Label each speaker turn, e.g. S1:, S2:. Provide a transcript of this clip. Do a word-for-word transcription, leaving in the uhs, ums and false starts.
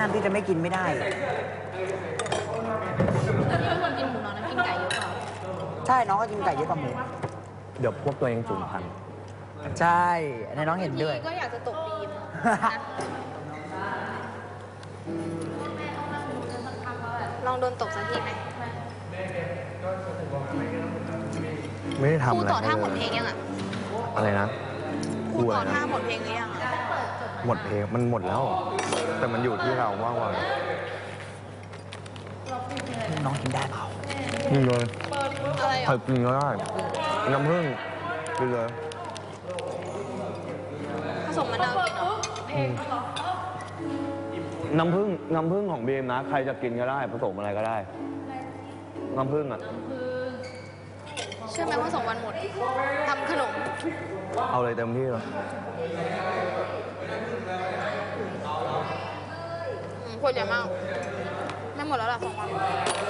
S1: ามที่จะไม่กินไม่ได้
S2: นี่เป็นคนกินหมูน้อยนะกินไก่เยอะกว่า
S1: ใช่น้องก็กินไก่เยอะกว่าหมู
S3: เดี๋ยวพวกตัวเองสูญพันธุ์
S1: ใช่ในน้องเห็นด้วย
S2: ก็อยากจะตกบีมลองโดนตกสักทีไหม
S3: ไม่ได้ทำอะไร
S2: ครูต่อท่าหมดเพลงยังอ่ะ
S3: อะไรนะ
S2: ครูต่อท่าหมดเพลงหรือยังอ่ะ
S3: หมดเพลงมันหมดแล้วแต่มันอยู่ที่เราว่างวัน
S1: น้องกินได้เปล่า
S3: กินเลย
S2: อะไรอ่ะ
S3: ใครกินก็ได้น้ำผึ้งกินเลย
S2: ผสมมะนาวกินเหรอ
S3: น้ำผึ้งน้ำผึ้งของบีมนะใครจะกินก็ได้ผสมอะไรก็ได้น้ำผึ้งอ่ะ
S2: เชื่อไหมว่าสองวันหมดทำขนม
S3: เอาเลยเต็มที่เลย
S2: คนใหญ่มากไม่หมดแล้วล่ะสองวัน